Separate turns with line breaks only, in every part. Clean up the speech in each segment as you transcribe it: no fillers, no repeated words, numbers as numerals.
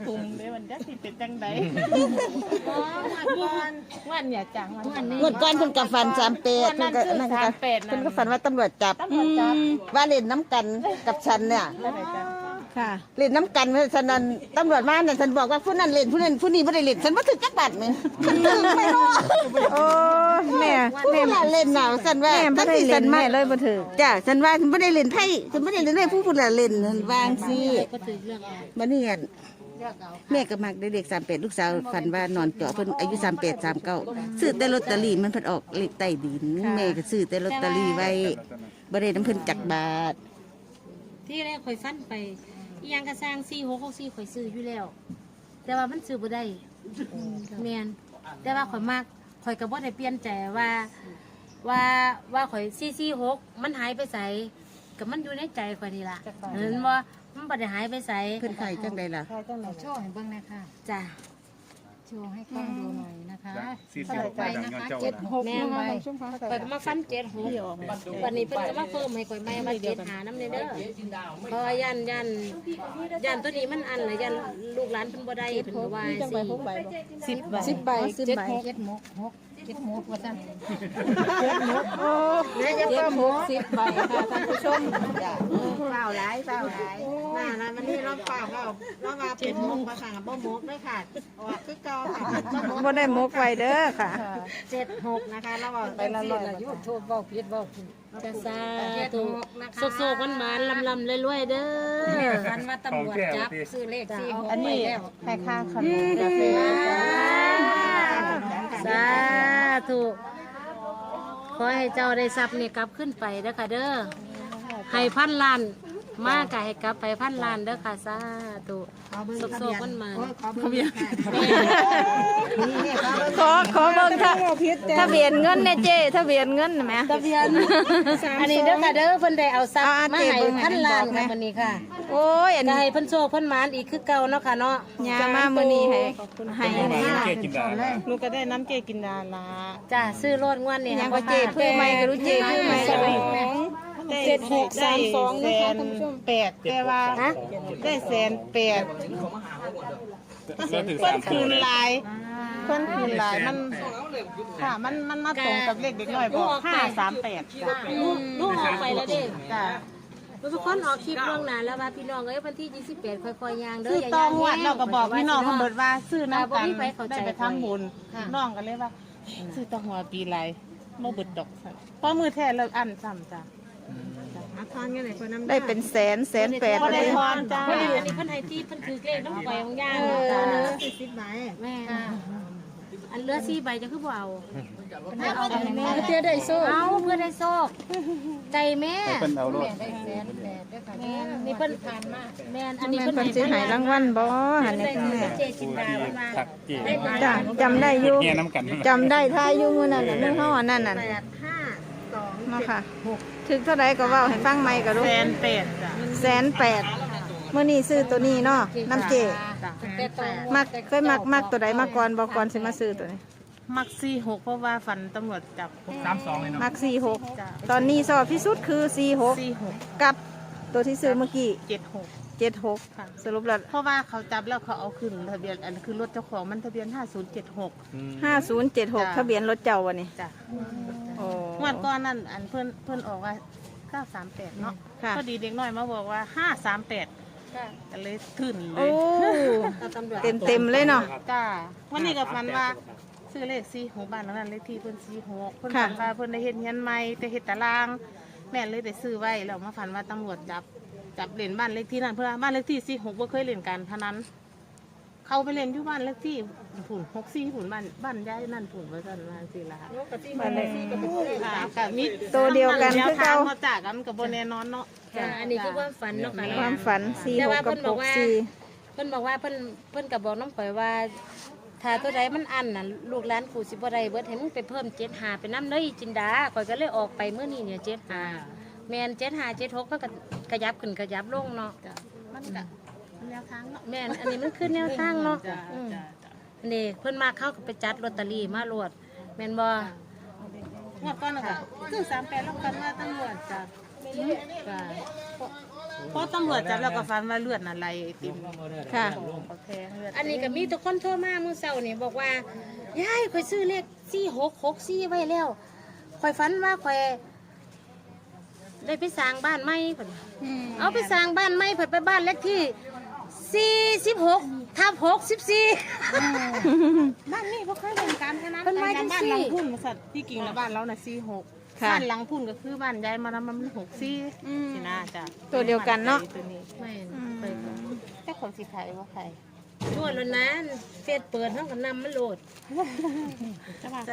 ปุ่มเลยวันจักสิเป็นจังไดวันเนี่ยจังวันนี้
งวดก่อนเพิ่นกับฟัน38เพิ่นก็นั่นก็เพิ่นก็ฝันว่าตำรวจจับว่าเล่นน้ำกันกับฉันเนี่ยค่ะเล่นน้ำกันฉะนั้นตำรวจมาเนี่ยฉันบอกว่าผู้นั้นเล่นผู้นั้นผู้นี้ไม่ได้เล่นฉันว่าถึงจักบาทมั้ยฉันถึงไม่รู้โอ้แม่เล่นหนาวฉันว่าแม่ไม่ได้เล่นแม่เลยบ่ถึงจ้ะฉันว่าฉันไม่ได้เล่นไพ่ฉันไม่ได้เล่นให้ผู้เล่นวางสิบัดนี้แม่ก็มักได้เลข38ลูกสาวฝันว่านอนเจาะเพิ่นอายุ38 39ซื้อแต่ลอตเตอรี่มันเพิ่นออกเลขใต้ดินแม่ก็ซื้อแต่ลอตเตอรี่ไว้บ่ได้นำเพิ่นจักบาท
ที่แรกข่อยฟันไปอีหยังกระสร้าง4664ข่อยซื้ออยู่แล้ว แต่ว่ามันซื้อบ่ได้แม่นแต่ว่าข่อยมักข่อยก็บ่ได้เปลี่ยนใจว่าข่อย446มันหายไปไสก็มันอยู่ในใจข่อยนี่ล่ะเห็นบ่มันบ่ได้หายไปไส
เพิ่นไข่จังได๋ล่ะ
โชว์ให้เบิ่งหน่อยค่ะจ้ะโชว์ให้กล้องดูหน่อยนะคะ
46ไปนะคะ
76แม่ข่อยก็มาฟัน76วันนี้เพิ่นก็มาเพิ่มให้ข่อยใหม่มา75นำเด้อเพราะยันตัวนี้มันอันละยันลูกหลานเพิ่นบ่ได้เพิ่นก็ว่า
10ใบ
76ว่าซั่น
โอ้10ใบค่ะท่านผู้ชมจ้ะ
เปล่าหลายน่ะมันนี่รอบเปล่าเราว่าเป็นมกมาค่ะบ่มกด้วยค่ะว่าคือเก่าค่ะ
บ่ได้มกไว้เด้อค่ะ
76นะคะเราว่าไปละร้อยอยู่โทษเว้าผิด
จะซาถูกโซกๆมันๆลำๆรวยๆเด้อกันว่าตำรวจจับซื้อเลข46
อันนี้ให้ค่าขนมกาแฟ
สาธุขอให้เจ้าได้ทรัพย์นี่กลับขึ้นไปเด้อค่ะเด้อให้พันล้านมากกะให้กลับไปพันล้านเด้อค่ะสาธุโซกๆมัน
ขอเบิ่งทะเบียนเงินแน่เจ้ทะเบียนเงินแหม
ทะเบียนอันนี้เด้อค่ะเด้อเพิ่นได้เอาทรัพย์มาให้พันล้านค่ะมื้อนี้ค่ะ
โอ้ยอันนี้
ให้เพิ่นโชคเพิ่นหมานอีกคือเก่าเนาะค่ะเนาะ
จะมามื้อนี้ให้
ลูกก็ได้น้ำเจกินดาละ
จ้าซื้อรถงวดนี่
ยังก็เจ้เพื่อใหม่ก็รู้เจ้เพื่อใหม่
7632นะคะท่านผู้ชม8แต่ว่าได้108เพิ่นคืนหลายมันค่ะมันมาตรงกับเลขเด็กน้อยบอก538จ้ะ
ลูกออกไปแล้วเด้จ้ะทุกคนออกคลิปล่วงหน้าแล้วว่าพี่น้องเอ้ยวันที่28ค่อยๆย่างเด้อ
อย่าย่างแห้งเราก็บอกพี่น้องเพิ่นเบิดว่าซื้อน้ำกันได้ไปทำบุญน้องก็เลยว่าซื้อตะหัวปีไรบ่เบิดดอกเพราะมือแท้เลิกอันซ้ำจ้ะ
ได้เป็นแสน8
ได้ทอนจ้า
อันนี้เพิ่นให้ที่เพิ่นถือเลขน้ำไฟของย่าง
10ใบ
แม่อันเหลือ4ใบจะคือบ่เอา
เอาแม่เพื่อได้โซ่
เอาเพื่อได้โซ่ใจแม่
เพิ่นเอาโลด
นี่เพิ่นผ่านมาแม่อันนี้
เพิ่นสิให้รางวัลบ่หั่นนี่แม่
เจจินดามา
จ้ะจำได้อยู่จำได้ท่าอยู่มื้อนั้นมื้อเฮาอันนั้นน่ะเนาะค่ะถึงเท่าใดก็เว้าให้ฟังใหม่ก็รู้
108จ้ะ
108มื้อนี้ซื้อตัวนี้เนาะน้ำเจมักเคยมักตัวใดมาก่อนบ่ก่อนสิมาซื้อตัวนี้
มัก46เพราะว่าฝันตำรวจจับ
32เลยเนาะ
มัก46ตอนนี้สอบที่สุดคือ46กับตัวที่ซื้อเมื่อกี้76ค่ะสรุปแล้ว
เพราะว่าเขาจับแล้วเขาเอาขึ้นทะเบียนอันคือรถเจ้าของมันทะเบียน
5076ทะเบียนรถเจ้าวันนี้
จ้ะโอ้งวดก่อนนั่นอันเพิ่นออกว่า938เนาะพอดีเด็กน้อยมาบอกว่า538ก็เลยขึ้นเลย
เต็มเลยเนาะ
จ้าวันนี้ก็ฝันว่าซื้อเลข46บ้านนั้นเลขที่เพิ่น46เพิ่นฝันว่าเพิ่นได้เฮ็ดเฮียนใหม่แต่เฮ็ดตารางแม่เลยได้ซื้อไว้แล้วมาฝันว่าตำรวจจับเล่นบ้านเลขที่นั่นเพื่อบ้านเลขที่46บ่เคยเล่นการพนันเขาไปเล่นอยู่บ้านเลขที่ผุ่น64ผุ่นบ้านย้ายนั่นผุ่นว่าซั่นว่าสิล่ะ
บ้านเลข
กับมี
ตัวเดียวกันคือเก่า
เฮาจากกันก็บ่แน่นอนเนาะ
อันนี้คือความฝันเนาะค่ะ
ความฝัน46กับ64
เพิ่นบอกว่าเพิ่นก็บอกน้องข่อยว่าถ้าตัวใดมันอันน่ะลูกหลานกูสิบ่ได้เบิดให้มึงไปเพิ่ม75ไปนำเลยจินดาข่อยก็เลยออกไปมื้อนี้เนี่ย75แม่น75 76มันก็ขยับขึ้นขยับลงเนาะ
มันก็แนวทางเนาะ
แม่นอันนี้มันคือแนวทางเนาะนี่เพิ่นมาเข้าก็ไปจัดลอตเตอรี่มาโลดแม่นบ่
งวดก่อนน่ะก็คือ38แล้วกันว่าตำรวจจับเพราะตำรวจจับแล้วก็ฟันว่าเลือดน่ะไหลไอติม
ค่ะ
เขาแทงเลือด
อันนี้ก็มีทุกคนโทรมามื้อเช้านี่บอกว่ายายข่อยซื้อเลข4664ไว้แล้วข่อยฝันว่าข่อยได้ไปสร้างบ้านใหม่เพิ่นเอาไปสร้างบ้านใหม่เพิ่นไปบ้านเลขที่46/64
บ้านนี้บ่เคยเป็นการพนัน
เป็นไม้จังซี่
บ้านหลังพุ่นสัตว์ที่กิ่งแล้วบ้านเราน่ะ46
ค่ะ
บ้านหลังพุ่นก็คือบ้านยายมามัน64สินะจ้ะ
ตัวเดียวกันเนาะ
ตัวนี้
ไม่
แต่คนสิขายบ่ขาย
นวดแล้วนะเฟซเปิดเฮาก็นำมันโหลด
จะว่า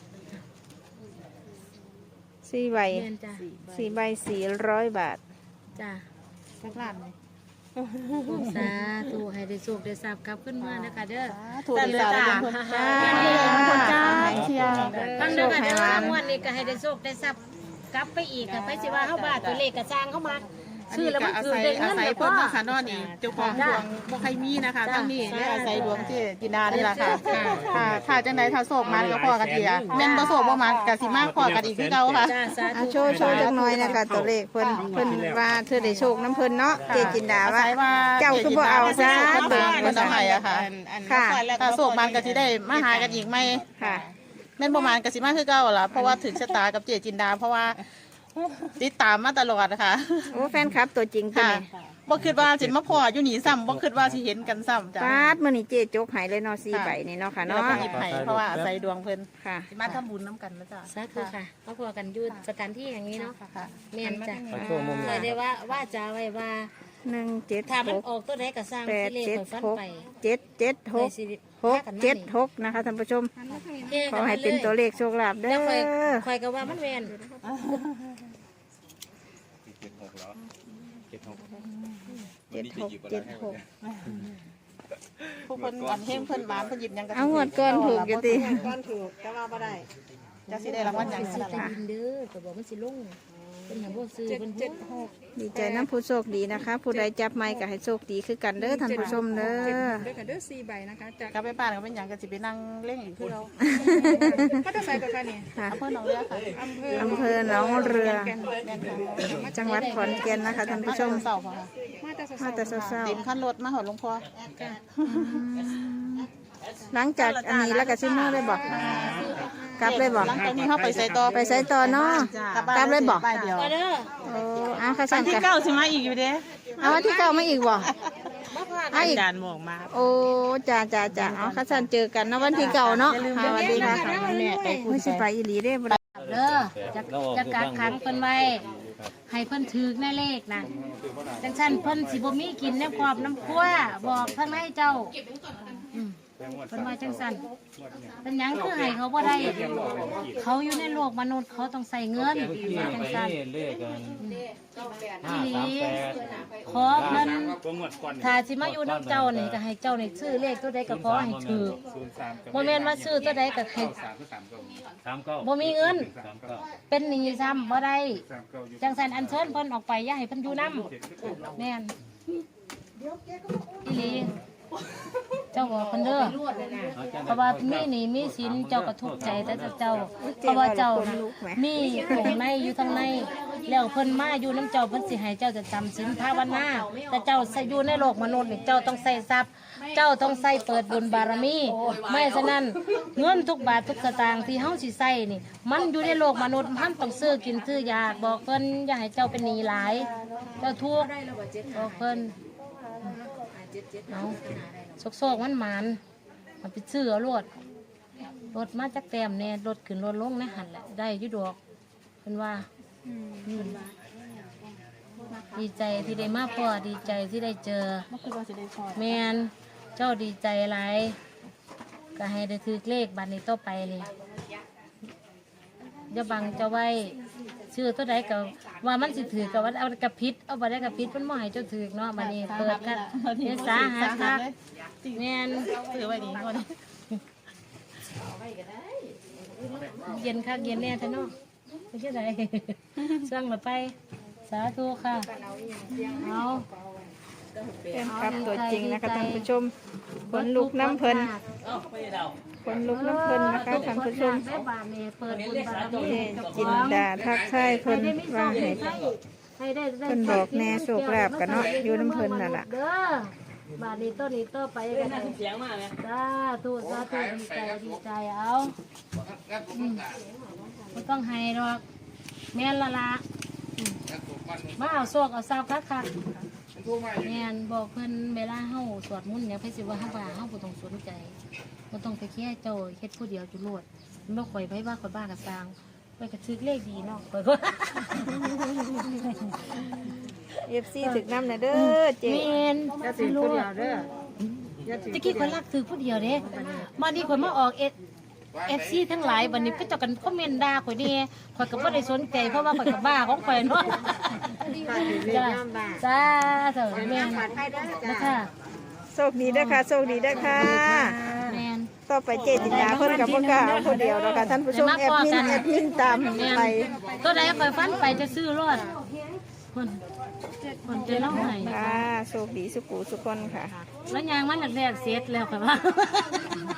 4 ใบ
แม่นจ้ะ
4 ใบ 400 บาท
จ้ะ
สักล้านเลย
สาธุให้ได้โชคได้ทรัพย์กลับขึ้นมานะคะเด้อ
ถูกดีสาวเลยคน
จ้า
จ้าเชียร์
ฟังเด้อค่ะเด้องวดนี้ก็ให้ได้โชคได้ทรัพย์กลับไปอีกค่ะไปสิว่าเฮาบ้าตัวเลขก็สร้างเข้ามาชื่อแล้วมันคือได้เงิน
อาศัย
แล้ว
เพิ่
ก็
นนะคะนอนนี่เจ้าของดวงบ่ใครมีนะคะตั้งนี่และอาศัยดวงที่จินดานี่แหละค่ะค่ะจังได๋ถ้าโศกมันก็พอกันอีกอ่ะแม่นบ่โศกบ่มันก็สิมาพอกันอีกคือเก่าค่ะ
จ้าสา
อ่ะ
ธุ
โชว์จักหน่อยนะคะตัวเลขเพิ่นว่าเธอได้โชคน้ำเพิ่นเนาะเจจินดาว่า เจ้าคือบ่เอาซะ
เบิ่งเพิ่นทำให้อะค่ะ
ค่ะ
ถ้าโศกมันก็สิได้มาหากันอีกไหม
ค่ะ
แม่นบ่มันก็สิมาคือเก่าล่ะเพราะว่าถึงชะตากับเจจินดา เพราะว่าติดตามมาตลอดนะคะ
โอ้แฟนคลับตัวจริงตัว
ค่ะ
นี้
บ่คิดว่าสิมาพออยู่นี่ซ้ำบ่คิดว่าสิเห็นกันซ้ำจ้ะ
ปาดมื้อนี้เจจกหายเลยเนาะ4ใบนี่เนาะค่ะ
เรา
เนาะ
ก็หยิบให้เพราะว่าอาศัยดวงเพิ่น
ค่ะ
สิมาทำบุญน้ำกันนะจ๊ะ
สาธุค่ะมาพอกันอยู่สถานที่อย่างนี้เนาะ
ค่ะ
แม่นจ้ะ
โชว์มุม
เคยได้ว่าจะไว้ว่า
1
ถ้ามัน
7
ออกตัวใดก็สร้าง
6
สิเลข
8
ข่อยฟัน
7
ไป
6 7 7
ข่อยสิ
6 7 6นะคะท่านผู้ชม ขอให้เป็นตัวเลขโชคลาภเด้
แล้วข่อย
อ
ข่อยก็ว่ามันแม่น
7 6 7 6
ผู้เพิ่นอันเฮงเพิ่นหวานเพิ่นหยิบหยังก็
เอางวดก่อนถูกอยู่ติ
ก่อนถูกแต่ว่าบ่ได้จะสิได้รางวัลหยัง
สิ
นั่น
ใต้
ล่ะ
ดินเด้อก็บอกมันสิลงเป็นหยังบ่ซื้อเป็นผู้
ดีใจน้ำผู้โชคดีนะคะ ผู้ใดจับไม้ก็ให้โชคดีคือกันเด้อท่านผู้ชมเด้อ
ด้วยกันเด้อ4ใบนะคะจาก
กลับไปบ้านก็เป็นหยังก็สิไปนั่งเล่นอีกคือเรา
พัทไซกับกันนี่
ค่ะ
อำเภอหนองเรือค่ะ
อำเภอ
อำเภอหนองเรือ
แก่น
แม่นค่ะ
จังหวัดขอนแก่นนะคะท่านผู้ชม
เสาร์ค่ะ
มาแต่
มาแต่เช้า
เต็มคันรถมาหอดหลวงพ่อ
ๆหลังจากอันนี้แล้วก็ซิมือเลยบอกกลับเลยบอก
หลังจากนี้เขาไปใส่ต่อ
ไปใส่ต่อเนาะกลับเลยบอก
ไปเดียว
มาเด้อ
โอ้เอาข้า
วั
สั่
น
น
ที่
กัน
เก้าสิมาอีกอยู่เด้
เอาวันที่เก้ามาอีกบ่เอาอีก
จานหมอกมา
โอ้จ้าจ้าจ้าเอาข้าสั่นเจอกันนะวันที่เก้าเนาะค่ะสวัสดีค่ะ
แม่ไปพูด
ไม่ใช่ไปอีหลีเด้บ่ได้
เด้อจะกักขังเพิ่นไว้ให้เพิ่นถือแน่เลขนะจังซั่นเพิ่นสิบ่มีกินน้ำกรอบน้ำคั่วบอกทางในเจ้าอืมเพิ่นว่าจังซั่นเป็นหยังคือให้เขาบ่ได้เขาอยู่ในโลกมนุษย์เขาต้องใส่เงินว่าจังซั่น
เลขกัน
อีหลีขอเพิ่น
ตัวงวดก่อน
ถ้าสิมาอยู่น้ำเจ้านี่ก็ให้เจ้านี่ซื้อเลขตัวใดก็ขอให้ถือบ่แม่นว่าซื้อตัวใดก็ให้ บ่มีเงิน เป็นหนี้ซ้ำบ่ได้จังสันอันเชิญเพิ่นออกไปอย่าให้เพิ่นอยู่นำแม่นอีหลีเจ้าบอกเพิ่นเด้อเพราะว่ามีหนี้มีสินเจ้าก็ทุกข์ใจแต่เจ้าเพราะว่าเจ้าน่ะมีของในอยู่ทางในแล้วเพิ่นมาอยู่น้ำเจ้าเพิ่นสิให้เจ้าจะจำศีลภาวนาแต่เจ้าใส่อยู่ในโลกมนุษย์นี่เจ้าต้องใส่ทรัพย์ เจ้าต้องใส่เปิดบุญบารมีไม่ฉะนั้นเงินทุกบาททุกสตางค์ที่เฮาสิใส่นี่ มันอยู่ในโลกมนุษย์มันต้องซื้อกินซื้อยาบอกเพิ่นอย่าให้เจ้าเป็นหนี้หลาย เจ้าทุกข์บอกเพิ่นเอาโซกๆมันหมานมันไปซื้อเอารถรถมาจากแต้มเนี่ยรถขึ้นรถลงในหันแหละได้อยุดอกเพิ่นว่าดีใจที่ได้มาพ่อดีใจที่ได้เจอ
บ่คือว่าสิได้พอ
แมนเจ้าดีใจหลายก็ให้ได้ถือเลขบัตรนี้ต่อไปนี่อย่าบังเจ้าไว้ชื่อตัวใดก็ว่ามันสิถือกับว่าเอากระพิษเอาบัตรได้กระพิษมันบ่ให้เจ้าถือเนาะบัดนี้เปิดกันเนี่ยสาหัสคักแมน
ซื้อไว้ดีก่อน
เย็นคักเย็นแน่ท่านเนาะไม่ใช่ไร สั่งละไป สาธุค่ะเอา
เป็นครับตัวจริงนะคะท่านผู้ชมขนลุกน้ำเพลินขนลุกน้ำเพลินนะคะท่านผู้ชม
แม่บานนี่เปิดบุญบารมี
จินดาทักทายเพลินว่าให้
ให้ได้
เพิ่นบอกแน่โชคลาภกันเนาะอยู่น้ำเพิ่นนั่นล่ะ
เด้อบาดนี้ต้นนี้ต่อไปกันเสียงมากเลยสาธุสาธุดีใจเอาไม่ต้องให้หรอกแม่นละละมาเอาโชคเอาทรัพย์คักแม่นบอกเพิ่นเวลาเฮาสวดมนต์เนี่ยเพิ่นสิว่าเฮาบ่ต้องสนใจบ่ต้องไปแค่เจ้าเฮ็ดผู้เดียวจุโลดบ่ข่อยไปว่าข่อยบ้ากะสร้างไปกระทึกเลขดีเนาะข่อยก็
FC ถึกน้ำน่ะเด้อเจ๊
แม่น
จะสิผู้เดียวเด้อ
ตะกี้ข่อยรักถือผู้เดียวเด้มานี่ข่อยมาออกFC ทั้งหลายบัดนี้ก็เจ้ากันคอมเมนต์ด่าข่อยนี่ข่อยก็บ่ได้สนใจเพราะว่าข่อยก็บ้าของข่อยเนาะจ้าจ้าเถอะแม่นนะคะ
โชคดีเด้อค่ะโชคดีเด้อค่ะ
แม่น
ต่อไปเจจินดาเพิ่นกับพ่อกล้าเอาคนเดียวเนาะค่ะท่านผู้ชมแอดมินตามไป
ตัวใดข่อยฟันไปจะซื้อรถคนจะเล่าให้
ค่ะโชคดีสุขุสุขคนค่ะ
แล้วยางมันแรกๆเสร็จแล้วค่ะว่า